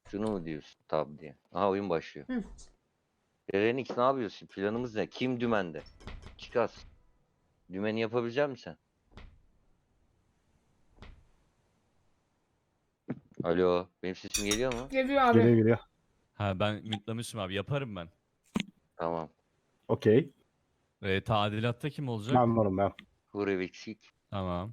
Şunu mu diyorsun tab diye? Aha oyun başlıyor. Hı. Renix ne yapıyorsun? Planımız ne? Kim dümende? Çıkas. Dümeni yapabilecek misin sen? Alo, benim sesim geliyor mu? Geliyor abi. Geliyor geliyor. Ha ben mütlamışım abi yaparım ben. Tamam. Okey. Tadilatta kim olacak? Ben varım ben. Huri eksik. Tamam.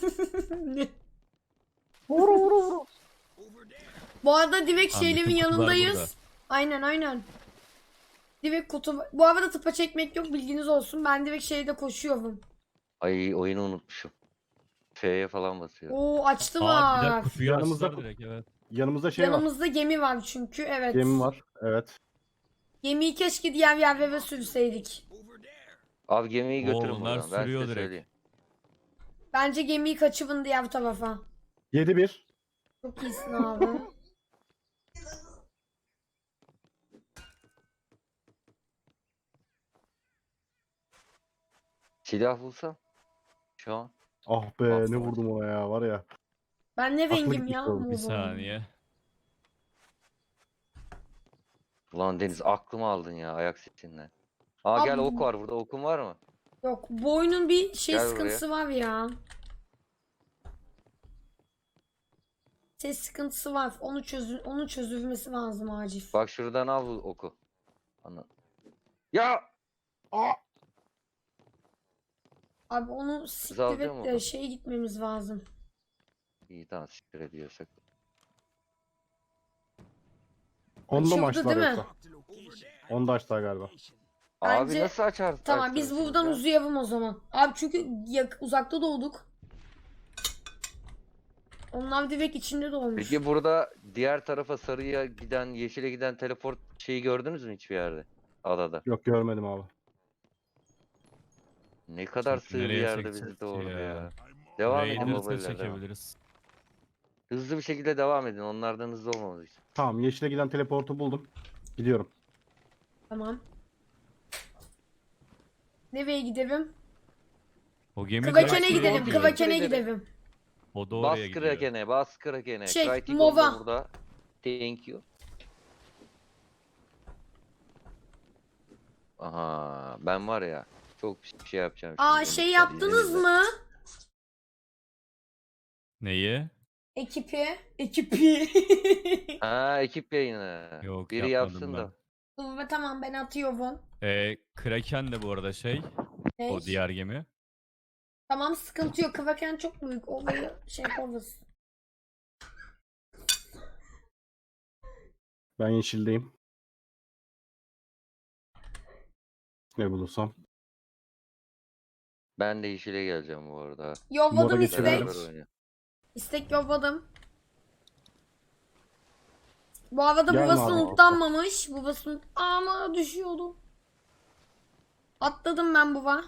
Bu arada direkt Tamam, şeylerin bütün kutular yanındayız. burada. Aynen. Direkt kutu. Bu arada tıpa çekmek yok, bilginiz olsun. Ben direkt şeyde koşuyorum. Ay oyunu unutmuşum. F'ye falan basıyorum. Oo, açtı Aa bir dakika var. kutuyu Yanımızda açtılar direkt evet. Yanımızda şey var. Yanımızda gemi var çünkü, evet. Gemi var. Evet. Gemiyi keşke diğer yerlere sürseydik. Abi gemiyi Oo, götürün bunlar buradan. Ben sürüyor size direkt. söyleyeyim. Bence gemiyi kaçırın diğer tarafa. 7-1. Çok iyisin abi. Silah bulsam. Şu an. Ah be ne vurdum ona ya var ya. Ben ne Aklı rengim gitmiş ya? oğlum. Bir Mor. saniye. Ulan Deniz aklımı aldın ya ayak sesinden. Aa gel Abi- ok var burada. Okun var mı? Yok, bu oyunun bir şey Gel sıkıntısı var ya. Ses sıkıntısı var. Onun çözülmesi lazım acil. Bak şuradan al bu oku. Ana. Ya! Aa! Abi onu alacağım siktirip onu. de şeye gitmemiz lazım. İyi tamam siktir ediyorsak. Onda mı Açıldı açtılar değil mi? yoksa? Onda açtılar galiba. Abi Bence- nasıl açar? Tamam, biz açarsınız buradan ya? uzayalım o zaman. Abi çünkü uzakta doğduk. Onlar direkt içinde doğmuş. Peki burada diğer tarafa sarıya giden, yeşile giden teleport şeyi gördünüz mü hiçbir yerde? Adada. Yok görmedim abi. Ne kadar Şimdi sığ bir nereye yerde çekeceğiz bizi ki doğurdu ya? ya. Devam edin Raider'ı da babayla devam. çekebiliriz. Hızlı bir şekilde devam edin. Onlardan hızlı olmamız için. Tamam yeşile giden teleportu buldum. Gidiyorum. Tamam. Nereye gidelim? O gemi Kıvaken'e direkt gidelim. oraya gidiyor. Kıvaken'e Gidelim. gidelim. O da Bas oraya gidiyor. Kraken'e, bas Kraken'e. Şey, Crytek Mova. da burada. Thank you. Aha, ben var ya çok bir şey yapacağım. Aa, şimdi. şey yaptınız mı? Neyi? Ekipi. Ha, ekip yayını. Yok, Biri yapmadım yapsın da. Tamam, ben atıyorum. Kraken de bu arada şey. Ne? O diğer gemi. Tamam, sıkıntı yok. Kıvaken çok büyük. Olayı şey yaparız. Ben yeşildeyim. Ne bulursam. Ben de yeşile geleceğim bu arada. Yolladım Moda istek. geçelim. Beraber oynayalım. İstek yolladım. Bu arada Gelme babası abi. unutlanmamış. Babası ama düşüyordu. Atladım ben baba.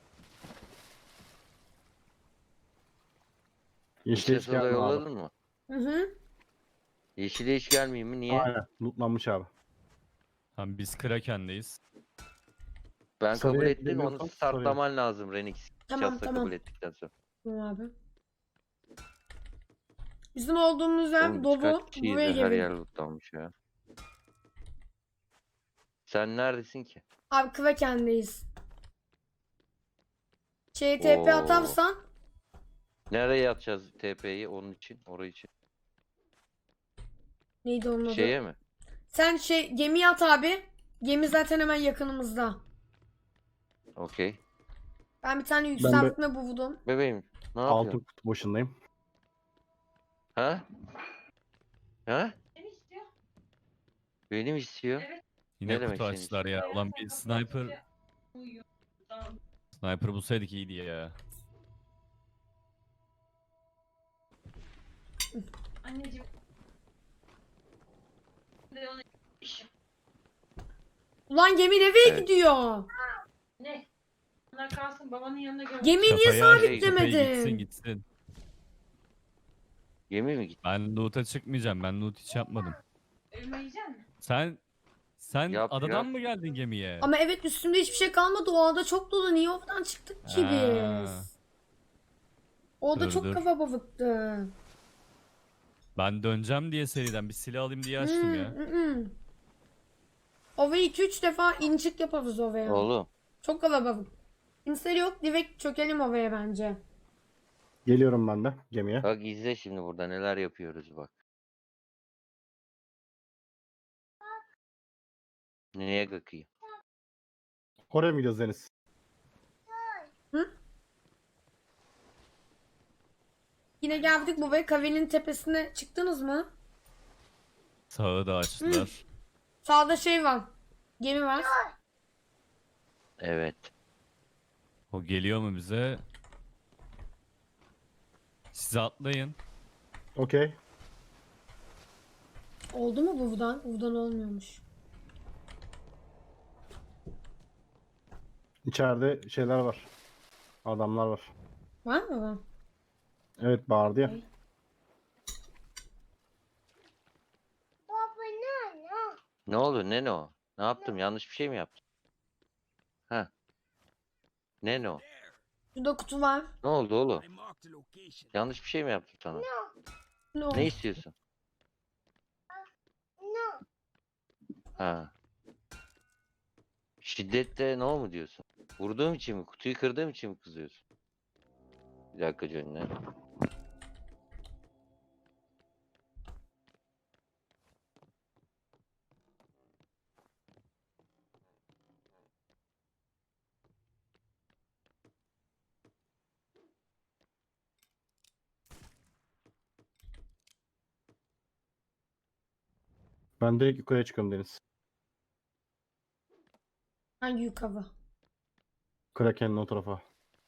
Yeşile hiç İşte soda gelme abi. yolladın mı? Hı hı. Yeşile hiç gelmeyeyim mi? Niye? Aynen. Lootlanmış abi. Tamam biz Kraken'deyiz. Ben kabul Sarıya ettim. Onu gidemiyorsam startlaman lazım Renix. Tamam, Şahsa tamam. kabul ettikten sonra. Tamam abi. Bizim olduğumuz yer Oğlum, dolu. birkaç kişiyiz Buraya de her gelin. yer lootlanmış ya. Sen neredesin ki? Abi Kıvaken'deyiz. TP Oo. atarsan Nereye atacağız TP'yi onun için? Orayı için. neydi onun adı? Şeye mi? Sen gemiye at abi. Gemi zaten hemen yakınımızda. Okey. Ben bir tane yükseltme buldum. Bebeğim ne Altın yapıyorsun? kutu başındayım. Ha? Ha? Benim istiyor. Yine Ne demek kutu senin açtılar ya. Ulan bir sniper. Sniper bulsaydık iyiydi ya. Anneciğim. Ulan gemi nereye Evet. gidiyor? Ne? Onlar kalsın babanın yanına götür. Gemiyi niye Şafaya- sabitlemedin? Gitsin gitsin. Gemi mi gitti? Ben loot'a çıkmayacağım. Ben loot hiç yapmadım. Elma yiyecek misin? Sen Yap, adadan yap. mı geldin gemiye? Ama evet, üstümde hiçbir şey kalmadı. O ada çok dolu. Niye oradan çıktık ki Ha. biz? O da Dur, çok dur. kafa balıktı. Ben döneceğim diye seriden bir silah alayım diye açtım ya. Ova'yı 2-3 defa inçik yaparız Ova'ya. Oğlum. Çok kalabalık. Kimse yok. Direkt çökelim Ova'ya bence. Geliyorum ben de gemiye. Bak izle şimdi burada neler yapıyoruz bak. Neye bakayım? Oraya mı gidiyoruz Deniz? Yine geldik buraya. Kavenin tepesine çıktınız mı? Sağı da açtılar. Sağda şey var. Gemi var. Evet. O geliyor mu bize? Siz atlayın. Okey. Oldu mu buradan? Buradan olmuyormuş. İçeride şeyler var. Adamlar var. Var mı? Evet bağırdı ya. Okey. Ne oldu? Ne o? Ne yaptım? Yanlış bir şey mi yaptım? Ha. Ne o? Şurada kutu var. Ne oldu oğlum? Yanlış bir şey mi yaptım sana? Ne oldu? Ne istiyorsun? Ha. Şiddette ne mu diyorsun? Vurduğum için mi? Kutuyu kırdığım için mi kızıyorsun? Bir dakika Johnny. Ben direkt yukarıya çıkıyorum Deniz. Hangi yukarı? Kraken'in o tarafa.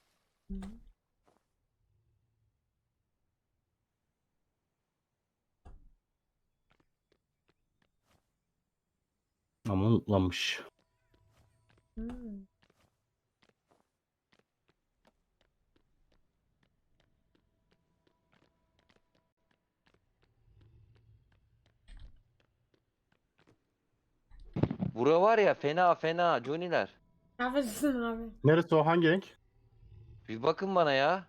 Ama unutlanmış. Hmm. Bura var ya fena fena Johnny'ler. Neredesin abi? Neresi o? Hangi renk? Bir bakın bana ya.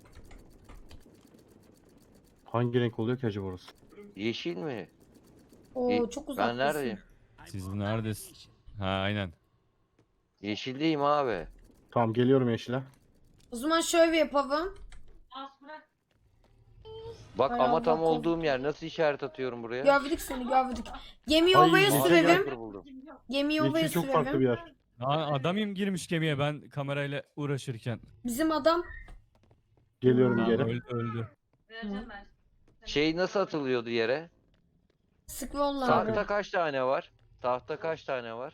Hangi renk oluyor ki acaba orası? Yeşil mi? Oo çok Ben uzaktasın. neredeyim? Siz neredesin? Ha aynen. Yeşildeyim abi. Tamam geliyorum yeşile. O zaman şöyle yapalım. As bırak. Bak Hay ama Allah, tam korktum. olduğum yer. Nasıl işaret atıyorum buraya? Gördük seni gördük. Gemiyi Ay, ovaya yeşil sürelim. Sniper buldum. Gemiyi ovaya Yeşil çok farklı bir sürelim. yer. Adam girmiş gemiye ben kamerayla uğraşırken. Bizim adam Geliyorum Tamam, geri. öldü. Vereceğim ben. Şey nasıl atılıyordu yere? Scroll'la Tahta abi. kaç tane var? Tahta kaç tane var?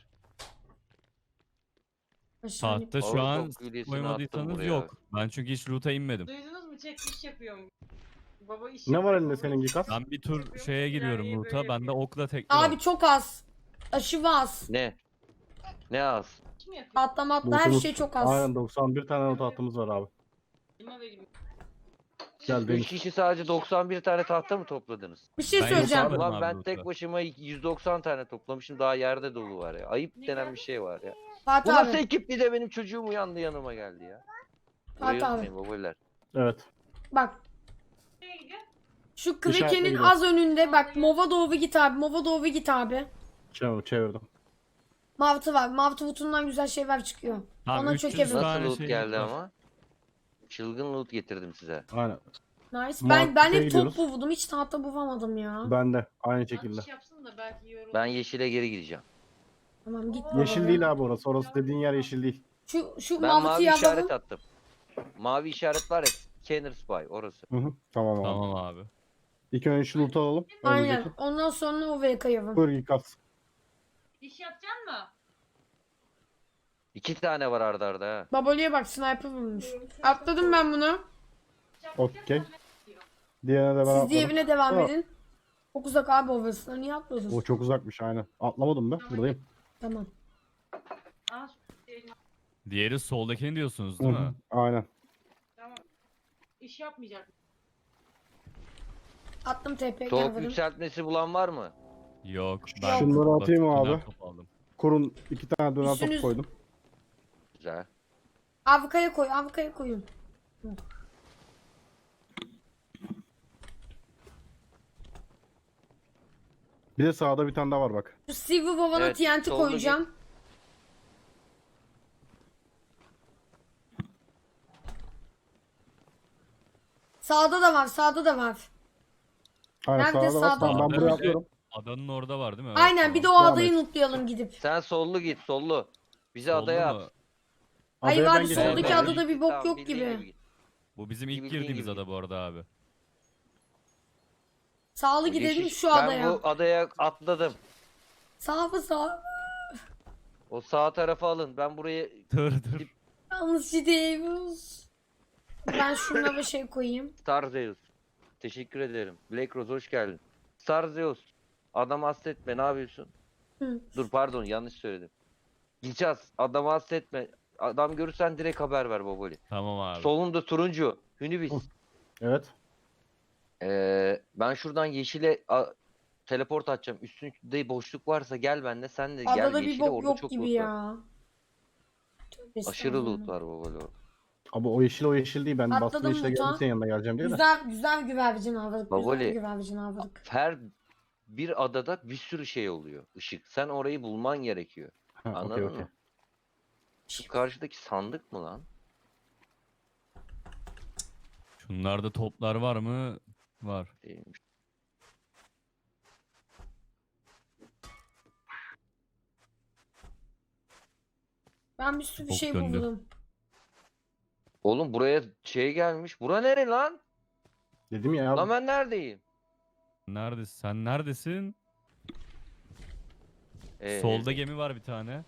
Aşağı in- Tahta şu Oğlum, an çok gülyesini koymadıysanız attım buraya. yok. Ben çünkü hiç loot'a inmedim. Duydunuz mu? Çek iş yapıyorum. Baba iş Ne var yapıyor, elinde baba senin iş Gikas? Ben bir tur şeye giriyorum Yani loot'a. böyle Bende yapıyor. okla tekli var. Abi çok az. Aşırı az. Ne? Ne az? mi yapıyor? Atla matla her Lootumuz- şey çok az. Aynen 91 tane not hattımız var abi. Elime vereyim. Gel 3 Deniz. kişi sadece 91 tane tahta mı topladınız? Bir şey Ben söyleyeceğim. yok abi. Ulan ben loot'a. tek başıma 190 tane toplamışım. Daha yerde dolu var ya. Ayıp denen bir şey var ya. Bu Fatih nasıl abi. ekip bir de benim çocuğum uyandı yanıma geldi ya. Burayı Fatih abi. unutmayın babalar. Evet. Bak. Nereye gidiyor? Şu İşaretle Kraken'in gidiyorum. az önünde bak Mova doğru git abi. Mova doğru git abi. Çevirdim. Mavtı var. Mavtı butundan güzel şeyler çıkıyor. Abi Ona 300 çökelim. Nasıl tane loot şey geldi var. ama? Çılgın loot getirdim size. Aynen. Nice. Mavtı Ben hep gidiyoruz. top buldum. Hiç tahta bulamadım ya. Ben de aynı şekilde. İş yapsın da belki yorulur. Ben yeşile geri gideceğim. Tamam git. Yeşil baba. değil abi orası. Orası dediğin yer yeşil değil. Şu Ben Mavtı mavi yazalım. işaret attım. Mavi işaret var ya. Scanner Spy orası. Hı hı. Tamam abi. Tamam abi. İlk önce şu loot'u alalım. Aynen. Önümüzdeki. Ondan sonra Ova'ya kayalım. Buyur Gikas. İş yapacaksın mı? 2 tane var arda arda ha. Babali'ye bak sniper bulmuş. Atladım ben bunu. Okey. Diğerine de ben Siz atladım. diğerine devam Tamam. edin. Çok uzak abi Ova'sına. Niye atladın? O çok uzakmış aynen. Atlamadım ben. Buradayım. Tamam. Al şu elini. Diğeri soldakini diyorsunuz Hı değil hı. mi? Aynen. Tamam. İş yapmayacak. Attım TP Soğuk geldim. yükseltmesi bulan var mı? Yok. Şunları atayım mı döner abi? top aldım. Kurun 2 tane döner top Üstünüz- koydum. Güzel. Avukaya koy. Avukaya koyun. Bir de sağda bir tane daha var bak. Şu Silver Boba'na Evet, TNT solda koyacağım. Sağda da var, sağda da var. Aynen Nerede? sağda var. Sağda. Tamam, ben Sağda buraya bir de atlıyorum. Adanın orada var değil mi? Evet, Aynen bir de tamam. o Devam adayı et. lootlayalım gidip. Sen sollu git sollu. Bizi Soldu adaya mu? at. Hayır Adaya abi, ben geçeceğim. soldaki Evet. adada bir bok Tamam, yok bildiğin gibi. git. Bu bizim ilk Bildiğin girdiğimiz gibi. ada bu arada abi. Sağlı Bu gidelim yeşil- şu Ben adaya. bu adaya atladım. Sağ mı sağ? O sağ tarafa alın. Ben buraya Dur dur. Yalnız gidiyoruz. Ben şuna bir şey koyayım. Star Zeus. Teşekkür ederim. Black Rose hoş geldin. Star Zeus. Adam hasretme ne yapıyorsun? Hı. Dur pardon yanlış söyledim. Gideceğiz. Adamı hasretme. Adam görürsen direkt haber ver Baboli. Tamam abi. Solunda turuncu. Hünibis. Evet. Ben şuradan yeşile teleport atacağım. Üstünde boşluk varsa gel benimle. Sen de gel Adada bir yeşile. bok Orada yok çok gibi loot var. ya. Tövbe Aşırı loot estağfurullah. var Baboli orada. Abi o yeşil değil. Ben Atladım bastım yeşile Muta. geldim senin yanına geleceğim diye de. Güzel güzel güvercin avladık. Güzel Baboli. güvercin avladık. Her bir adada bir sürü şey oluyor. Işık. Sen orayı bulman gerekiyor. Ha, Anladın okey okey. mı? Şu karşıdaki sandık mı lan? Şunlarda toplar var mı? Var. Değilmiş. Ben bir sürü Çok şey döndü. buldum. Oğlum buraya şey gelmiş. Bura nere lan? Dedim ya Lan ben neredeyim? Neredesin? Sen neredesin? Ee, Solda gemi var bir tane.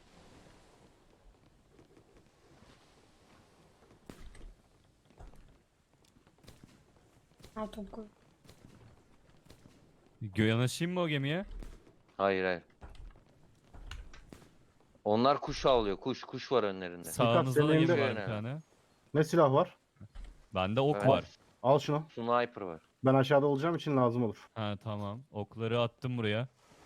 Her top koy. Yanaşayım mı o gemiye? Hayır hayır. Onlar kuş avlıyor. Kuş var önlerinde. Sağımızda da senin gemi elinde- var bir tane. ne silah var? Bende ok Evet. var. Al şunu. Sniper var. Ben aşağıda olacağım için lazım olur. Ha tamam. Okları attım buraya.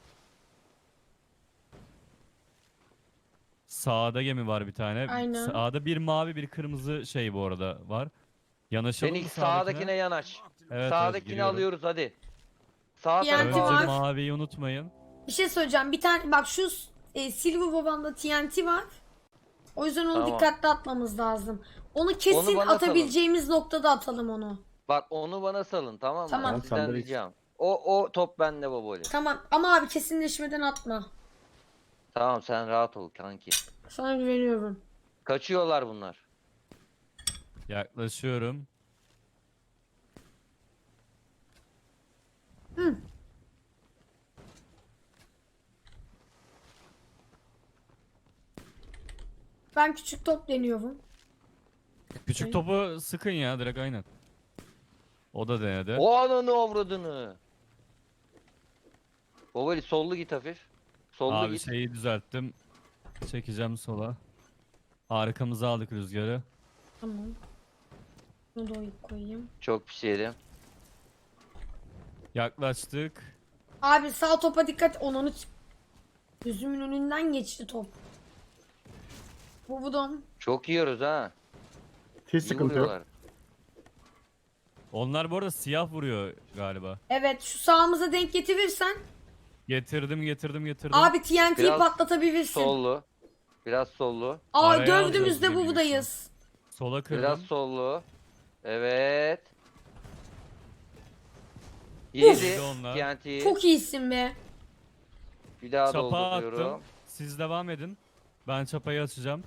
Sağda gemi var bir tane. Aynen. Sağda bir mavi bir kırmızı şey bu arada var. Yanaşalım Sen mı ilk sağdakine sağdakine? yanaş. Evet, Sağdakini giriyorum. alıyoruz hadi. Sağ TNT tarafa Önce var. al. maviyi unutmayın. Bir şey söyleyeceğim. Bir tane bak şu Silver Boba'nda TNT var. O yüzden onu Tamam. dikkatli atmamız lazım. Onu kesin Onu bana atabileceğimiz noktada atalım onu. Bak onu bana salın tamam mı? Tamam. Ben Sen de sizden reis. ricam. O top bende Baboli. Tamam ama abi kesinleşmeden atma. Tamam sen rahat ol kanki. Sana güveniyorum. Kaçıyorlar bunlar. Yaklaşıyorum. Ben küçük top deniyorum. Küçük topu sıkın ya direkt aynen. O da denedi. O ananı avradını. Baboli sollu git hafif. Sollu Abi git. şeyi düzelttim. Çekeceğim sola. Arkamıza aldık rüzgarı. Tamam. Bunu da koyayım. Çok pis yedim. Yaklaştık. Abi sağ topa dikkat. Onu gözümün önünden geçti top. Vurdum. Çok yiyoruz ha. Hiç İyi sıkıntı yok. vuruyorlar. Onlar bu arada siyah vuruyor galiba. Evet şu sağımıza denk getirirsen Getirdim. abi TNT'yi Biraz patlatabilirsin. Sollu. Biraz sollu. Aa Araya dövdüğümüzde alacağız bu buradayız. Sola kırdım. Biraz sollu. Evet. Yedi Bir de onlar. TNT'yi. Çok iyisin be. Bir daha Çapa dolduruyorum. attım. Siz devam edin. Ben çapayı açacağım.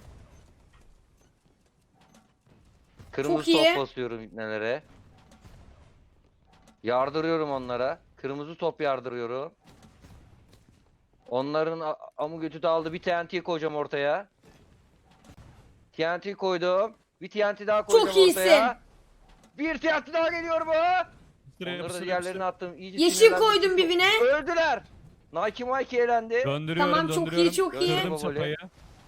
Kırmızı Çok iyi. top basıyorum ipnelere. Yardırıyorum onlara. Kırmızı top yardırıyorum. Onların amı götü de aldı. Bir TNT koyacağım ortaya. TNT koydum. Bir TNT daha koyacağım Çok iyisin. ortaya. Bir TNT daha geliyor mu? Sıraya Onları da yapıştır, diğerlerine yapıştır. attım. İyice Yeşil sinirlendim. koydum birbirine. Öldüler. Nike Mike elendi. Döndürüyorum, Tamam, çok iyi, döndürüyorum. çok iyi. Kırdım Böyle. çapayı.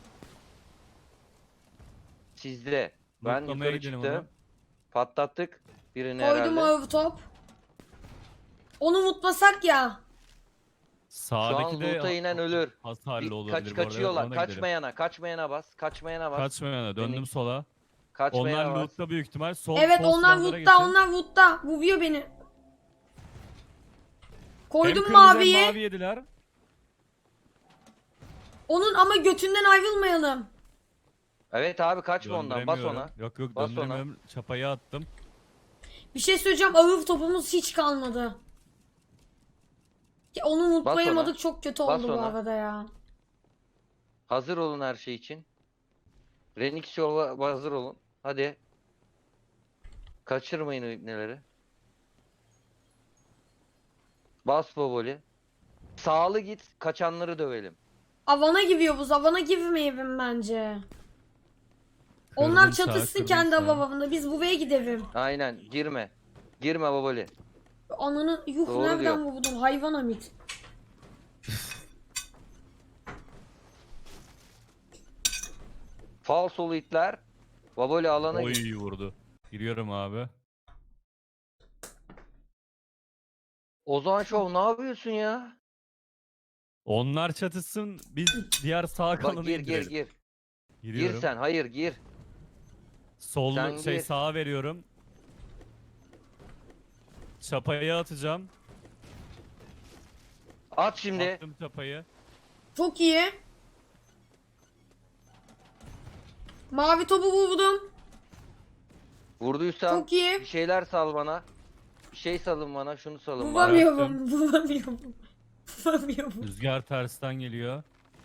Sizde. Ben Lootlamaya yukarı gidelim çıktım. onu. Patlattık. Birini Koydum herhalde. o top. Onu unutmasak ya. Şu an Sağdaki de loot'a inen ölür. hasarlı olabilir. bu arada. Kaçıyorlar. Ona gidelim. Kaçmayana bas. Kaçmayana bas. Kaçmayana döndüm Beni- sola. Kaçmayana Onlar bas. loot'ta büyük ihtimal. Sol, Evet sol onlar silahlara Wood'da, geçin. onlar Wood'da. Vuruyor beni. Koydum Hem kırmızı hem maviyi. mavi yediler. Onun ama götünden ayrılmayalım. Evet abi kaçma ondan. Bas Döndüremiyorum. ona. Yok yok Bas döndüremiyorum. Çapayı attım. Bir şey söyleyeceğim. Ağır topumuz hiç kalmadı. Ya onu unutmayamadık. ona. Çok kötü Bas oldu bu ona. arada ya. Hazır olun her şey için. Renix yola hazır olun. Hadi. Kaçırmayın o ipneleri. Bas Boboli. Sağlı git. Kaçanları dövelim. Avana gidiyoruz. Avana girmeyelim bence. Kırdım Onlar sağ, çatışsın kırdım kendi sağ. avavında. Biz buraya gidelim. Aynen. Girme. Girme Boboli. Ananı yuh Doğru nereden diyor. vurdun? Hayvan Hamit. Falsolu itler. Boboli alana git. Oy vurdu. Giriyorum abi. Ozan Şov ne yapıyorsun ya? Onlar çatışsın. Biz diğer sağ Bak kalanı gir indirelim. gir. Giriyorum. Gir sen. Hayır gir. Sol Sen şey gir. sağa veriyorum. Çapayı atacağım. At şimdi. Attım çapayı. Çok iyi. Mavi topu vurdum. Vurduysan Çok iyi. bir şeyler sal bana. Bir şey salın bana. Şunu salın bana. Vuramıyorum. Vuramıyorum. Vuramıyorum. Rüzgar tersten geliyor.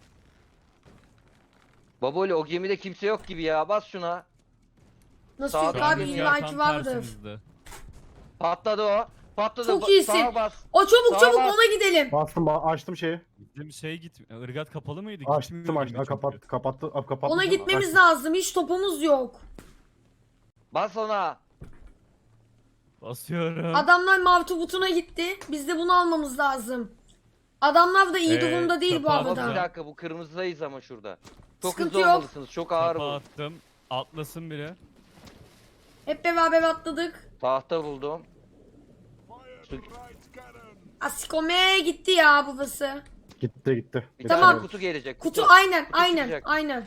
Baboli o gemide kimse yok gibi ya. Bas şuna. Nasıl Sağ yok ol, abi? rüzgar İlla ki vardır. tersimizde. Patladı o. Patladı. Çok iyisin. Sağa bas. O çabuk Sağa çabuk bas. ona gidelim. Bastım açtım şeyi. Bizim şey git. Irgat kapalı mıydı? Açtım Gitmiyor açtım. gibi çünkü. Kapattı. Ona gitmemiz lazım. Hiç topumuz yok. Bas ona. Basıyorum. Adamlar mavi toputuna gitti. Biz de bunu almamız lazım. Adamlar da iyi durumda değil bu çapa Ama bir arada. dakika bu kırmızıdayız ama şurada. Çok Sıkıntı hızlı yok. olmalısınız. Çok ağır Çapa bu. attım. Atlasın biri. Hep beraber atladık. Tahta buldum. Asikomeye gitti ya babası. Gitti. Bir Tamam. tane kutu gelecek. Kutu aynen Kutu aynen çıkacak. aynen.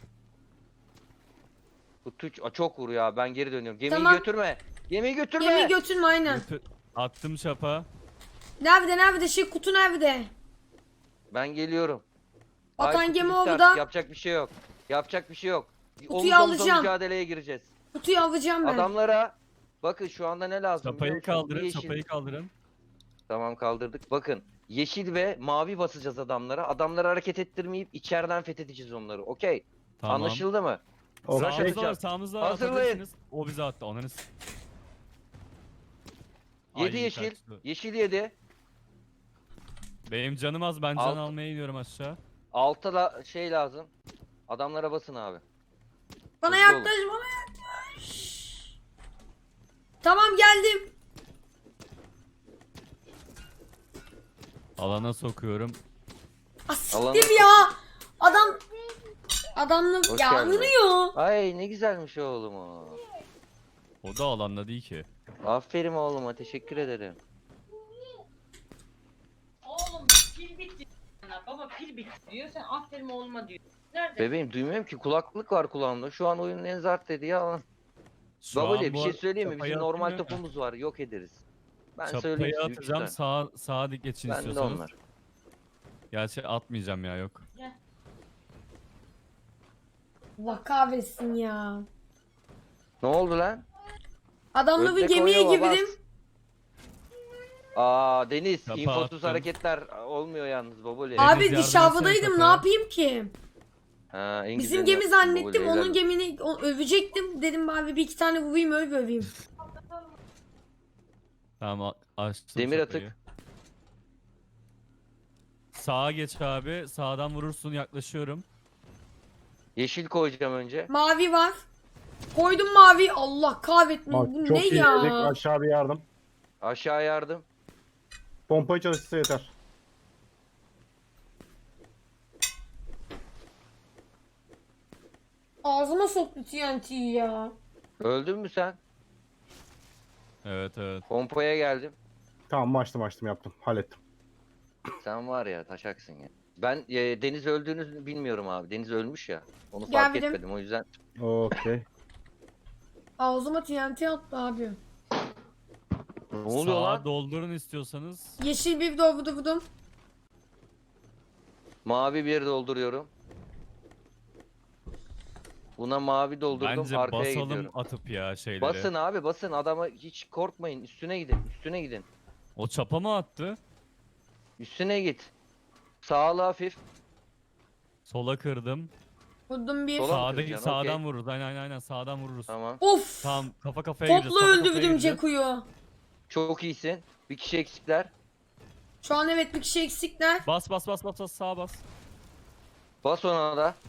Kutu çok vur ya. Ben geri dönüyorum. Gemiyi Tamam. götürme. Gemiyi götürme. Gemiyi götürme aynen. Attım çapa. Nerede şey kutu nerede? Ben geliyorum. Atan kutu gemi bitti orada. artık, yapacak bir şey yok. Yapacak bir şey yok. Kutuyu Omuz omuza alacağım. mücadeleye gireceğiz. Kutuyu alacağım ben. Adamlara bakın şu anda ne lazım? biliyor Çapayı musunuz? kaldırın. Yeşil. Çapayı kaldırın. Tamam kaldırdık. Bakın yeşil ve mavi basacağız adamlara. Adamları hareket ettirmeyip içeriden fethedeceğiz onları. Okey. Tamam. Anlaşıldı mı? Okey. Rush Sağımızda var. atacağım. Sağımızda var. Hazırlayın. Atabilirsiniz. O bize attı. Onlarınız. Yedi yeşil. Yeşil yedi. Benim canım az. Ben can Alt- almaya iniyorum aşağı. Altta da şey lazım. Adamlara basın abi. Bana Hızlı olun. yaklaş bana yaklaş. Tamam geldim. Alana sokuyorum. Asiktir Alana- ya. Adamlı Hoş ya geldin. ınıyor. Ay ne güzelmiş oğlum o. O da alanda değil ki. Aferin oğluma teşekkür ederim. Oğlum pil bitti. Baba pil bitti diyor. Sen aferin oğluma diyor. Nerede? Bebeğim duymuyorum ki kulaklık var kulağımda. Şu an oyunun en zart dediği alan. Şu an Babali bir bu şey söyleyeyim mi? çapayı Bizim normal atayım mı? topumuz var yok ederiz. Ben Çapayı söyleyeyim size üç atacağım. tane. Sağa dik geçin Ben de istiyorsanız. onlar. Gerçi atmayacağım ya yok. Allah kahretsin ya. Ne oldu lan? Adamla bir Ördek gemiye oynuyor, bas. girdim. Aa Deniz Çapa infosuz attım. hareketler olmuyor yalnız Baboli. Abi yardım dışarıdaydım etsene ne kapıya. yapayım ki? Ha, en Bizim güzelini gemi yaptın zannettim. Baboli, Onun helal. gemini övecektim. Dedim abi bir iki tane vurayım öveyim. Tamam açtım Demir çapayı. atık. Sağa geç abi. Sağdan vurursun yaklaşıyorum. Yeşil koyacağım önce. Mavi var. Koydum mavi. Allah kahretsin. Bak, Bu çok ne iyi ya? dedik. Aşağı bir yardım. Aşağı yardım. Pompayı çalıştırsa yeter. Ağzıma soktu TNT'yi ya. Öldün mü sen? Evet. Pompaya geldim. Tamam açtım yaptım. Hallettim. Sen var ya taşaksın ya. Ben Deniz öldüğünü bilmiyorum abi. Deniz ölmüş ya. Onu Gel fark birim. etmedim o yüzden. Okey. Ağzıma TNT attı abi. Ne oluyor Sağa lan? doldurun istiyorsanız. Yeşil bir doldurdum. Mavi bir dolduruyorum. Buna mavi doldurdum. Bence Arkaya basalım gidiyorum. atıp ya şeyleri. Basın abi basın. Adama hiç korkmayın. Üstüne gidin. Üstüne gidin. O çapa mı attı? Üstüne git. Sağlı hafif. Sola kırdım. Vurdum bir. Sola mı Sağdaki kıracaksın? sağdan Okey. vururuz. Aynen sağdan vururuz. Tamam. Of. Tamam kafa kafaya gireceğiz. Topla kafa kafaya öldürdüm gireceğiz. Ceku'yu. Çok iyisin. Bir kişi eksikler. Şu an evet bir kişi eksikler. Bas sağa bas. Bas ona da.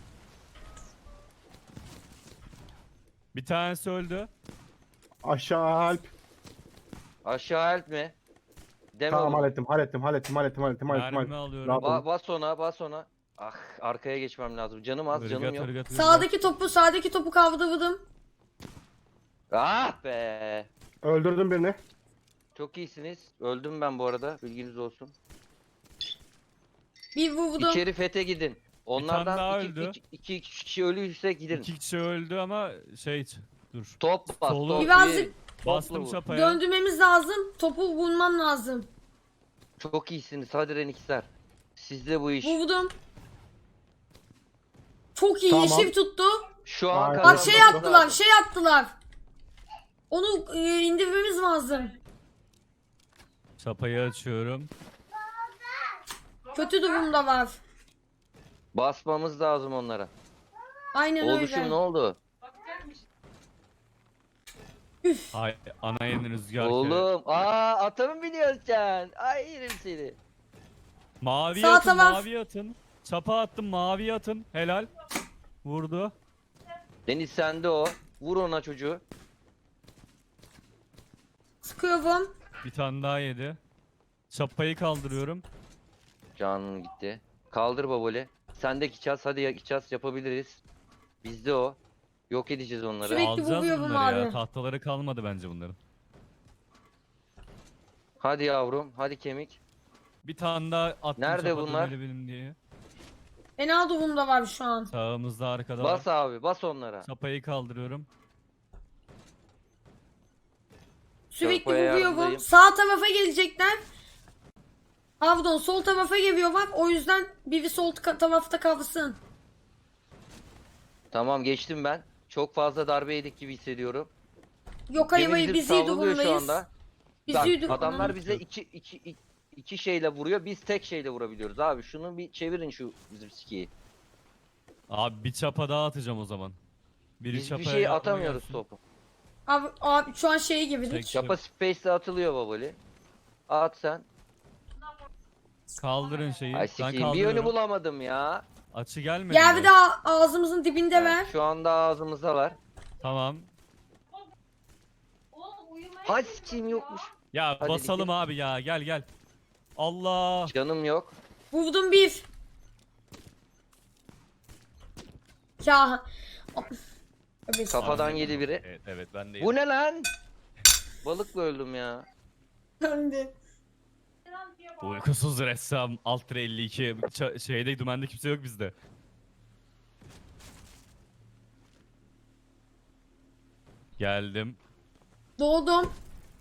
Bir tanesi öldü. Aşağı Alp. Aşağı help mi? Deme Tamam oğlum. hallettim. Mermi alıyorum. Rahat ol. Bas ona. Ah arkaya geçmem lazım. Canım az canım yok. Irgat. Sağdaki topu kaldırdım. Ah be. Öldürdüm birini. Çok iyisiniz. Öldüm ben bu arada. Bilginiz olsun. Bir vurdum. İçeri fete gidin. daha Onlardan öldü. iki kişi ölüyse gidin. İki kişi öldü ama dur. Top bas. Solu- Top. Birazcık Bastım vur. çapaya. döndürmemiz lazım. Topu vurmam lazım. Çok iyisiniz. Hadi Renixler. Sizde bu iş. Vurdum. Çok iyi. Tamam. Yeşil tuttu. Şu an Bak, Bak kazanmamız şey yaptılar. lazım. Şey yaptılar. Onu indirmemiz lazım. Çapayı açıyorum. Kötü durumda var. Basmamız lazım onlara. Aynen Oluşum ne öyle. oldu? Bakacakmış. Ay ana yeni rüzgar. Oğlum. Ata mı biliyorsun sen? Ay yerim seni. Mavi Sağ atın taraf. mavi atın. Çapa attım mavi atın. Helal. Vurdu. Deniz sende o. Vur ona çocuğu. Sıkıyorum. Bir tane daha yedi. Çapayı kaldırıyorum. Canım gitti. Kaldır baboli. Sendeki çaz. Hadi ya çaz yapabiliriz. Bizde o. Yok edeceğiz onları. Sürekli Alacağız vuruyorum bunları ya. abi. Tahtaları kalmadı bence bunların. Hadi yavrum. Hadi kemik. Bir tane daha attım Nerede çapa bunlar? döneli benim diye. Fena durumda var şu an. Sağımızda arkada Bas var. abi. Bas onlara. Çapayı kaldırıyorum. Sürekli Çarpaya vuruyorum. yardımdayım. Sağ tarafa gelecekler. Pardon sol tarafa geliyorlar. O yüzden biri sol tarafta kalsın. Tamam geçtim ben. Çok fazla darbe yedik gibi hissediyorum. Yok Gemi hayır bizim biz iyi savruluyor şu durumdayız. anda. Biz Bak, iyi durumdayız. adamlar bize iki şeyle vuruyor. Biz tek şeyle vurabiliyoruz abi. Şunu bir çevirin şu bizim skiyi. Abi bir çapa daha atacağım o zaman. Biri Biz bir çapaya şey yardıma atamıyoruz gelsin. topu. Abi şu an şeye girdik. Tek- Çapa space'le atılıyor baboli. At sen. Kaldırın şeyi. Ay Ben sikiyim. Bir kaldırıyorum. yönü bulamadım ya. Açı gelmedi Gel mi? bir de ağzımızın dibinde ver. Şu anda ağzımızda var. Tamam. Oğlum uyumaya Hay çalışıyorum sikiyim yokmuş. Ya Hadi basalım dikkat. abi ya. Gel. Allah. Canım yok. Vurdum bir. Ya. Evet. Kafadan Abi, yedi biri. Evet ben de Bu ne lan? Balıkla öldüm ya. Ben de. lan diye bağırıyor. Uykusuz ressam Altra 52 şeyde dümende kimse yok bizde. Geldim. Doğdum.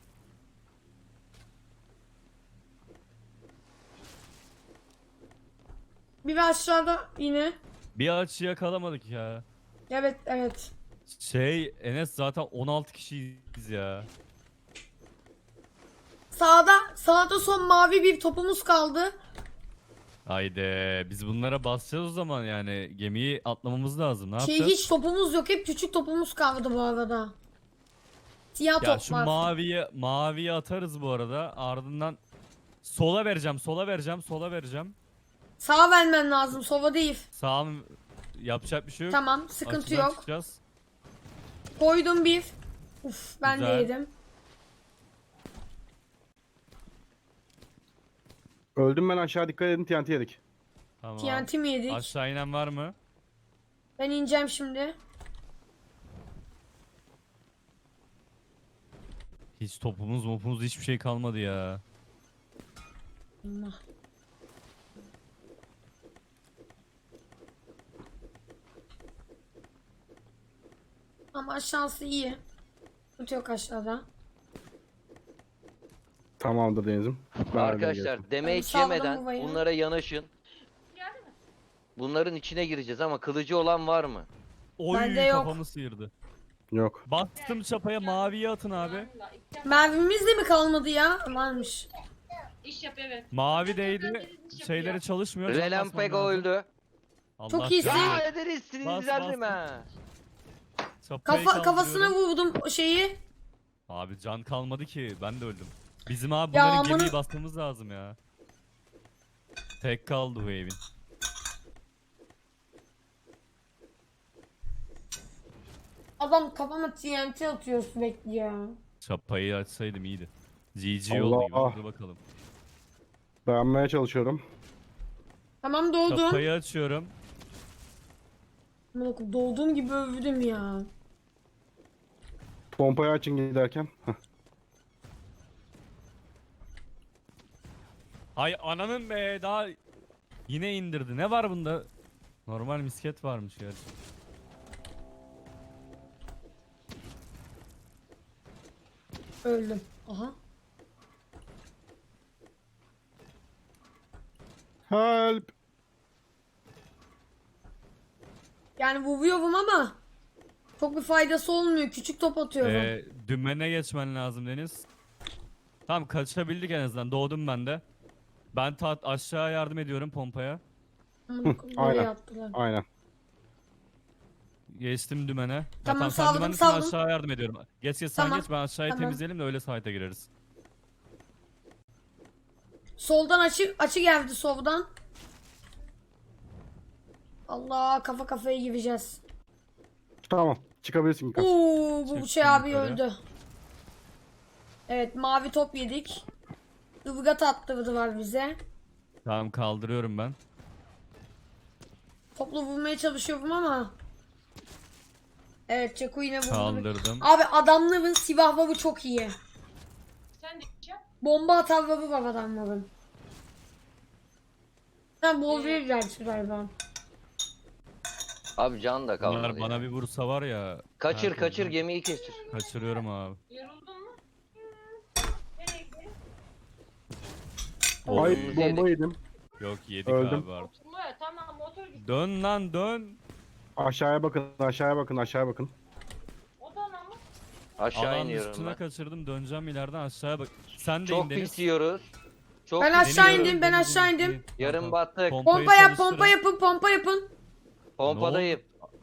Bir aşağıda yine. Bir açı yakalamadık ya. Evet. Enes zaten 16 kişiyiz ya. Sağda son mavi bir topumuz kaldı. Haydi biz bunlara basacağız o zaman yani gemiyi atlamamız lazım. Ne yapacağız? Hiç topumuz yok. Hep küçük topumuz kaldı bu arada. Siyah Ya top şu var. maviyi atarız bu arada. Ardından sola vereceğim. Sağa vermen lazım. Sova değil. Sağım yapacak bir şey yok. Tamam. Sıkıntı Açıdan yok. çıkacağız. Koydum bir. Uf ben de Güzel. yedim. Öldüm ben aşağı dikkat edin TNT yedik. Tamam. TNT mi yedik? Aşağı inen var mı? Ben ineceğim şimdi. Hiç topumuz hiçbir şey kalmadı ya. Allah. Ama aşağısı iyi. Sıkıntı yok aşağıda. Tamamdır Deniz'im. Ben Arkadaşlar Hadi damage saldım yemeden babayı. bunlara yanaşın. Geldi mi? Bunların içine gireceğiz ama kılıcı olan var mı? Oy Bende yok. kafamı sıyırdı. Yok. Bastım çapaya, maviye atın abi. Vallahi iki- Mermimiz de mi kalmadı ya? Varmış. İş yap evet. Mavi değdi. Şeyleri çalışmıyor. can Relampego basmam lazım. öldü. Allah Çok iyisin. canını- Ya ederiz Bas, sinirlendim bas. ha. Çapayı Kafasına kaldırıyorum. vurdum o şeyi. Abi can kalmadı ki. Ben de öldüm. Bizim abi Ya bunların amına- gemiyi basmamız lazım ya. Tek kaldı bu evin. Adam kafama TNT atıyor sürekli ya. Çapayı açsaydım iyiydi. GG Allah. oldu gibi. Dur bakalım. Beğenmeye çalışıyorum. Tamam doldum. Çapayı açıyorum. Amına koyayım, dolduğum gibi övdüm ya. Pompayı açın giderken. Heh. Ay ananın be, daha yine indirdi. Ne var bunda? Normal misket varmış gerçi. Öldüm. Aha. Help. Yani vuruyorum ama çok bir faydası olmuyor. Küçük top atıyorum. Dümene geçmen lazım Deniz. Tamam, kaçabildik en azından. Doğdum ben de. Ben aşağı yardım ediyorum pompaya. Amına koyayım, aynen. nereye attılar? Aynen. Geçtim dümene. Ya Tamam, sen saldım, dümendesin, saldım. aşağı yardım ediyorum. Geç sen Tamam, geç, ben aşağıyı tamam. temizleyelim de öyle site'a gireriz. Soldan açı geldi soldan. Allah, kafa kafaya gireceğiz. Tamam. Çıkabilirsin Mikas. Oo, bu Çıktım şey abi yukarı. öldü. Evet, mavi top yedik. Ivgat attırdılar bize. Tamam, kaldırıyorum ben. Topla vurmaya çalışıyorum ama. Evet, Çeko yine vurdu. Kaldırdım. Abi adamların silahları çok iyi. Sen de iş yap. Bomba atarları var adamların. Ben bol gerçi galiba. Abi can da kalmadı Bunlar bana ya. bir vursa var ya. Kaçır her kaçır türlü gemiyi kestir. Kaçırıyorum abi. Yoruldun mu? Nereye gidelim? Ay Oğlum, bomba yedim. Yok, yedik Öldüm. abi artık. Oturmaya tamam motor gitti. Dön lan dön. Aşağıya bakın. Aşağıya bakın. Aşağıya bakın. O da ama. Aşağı Alan iniyorum dışına ben. kaçırdım, döneceğim ileriden aşağıya bak. Sen de Çok in Deniz. pis yiyoruz. Çok Ben pis aşağı yiyoruz. indim, ben aşağı indim. Yarım battık. Pompa yap, pompa yapın, pompa yapın. Pompadayım.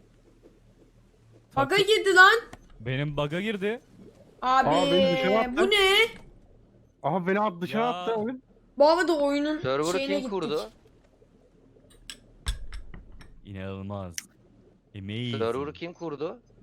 Baga girdi lan. Benim bug'a girdi. Abi beni dışarı attı. bu ne? Aha beni dışarı Ya. attı oyun. Bu arada oyunun Server'ı şeyine kim gittik. kurdu? İnanılmaz. Amazing. Server'ı kim kurdu?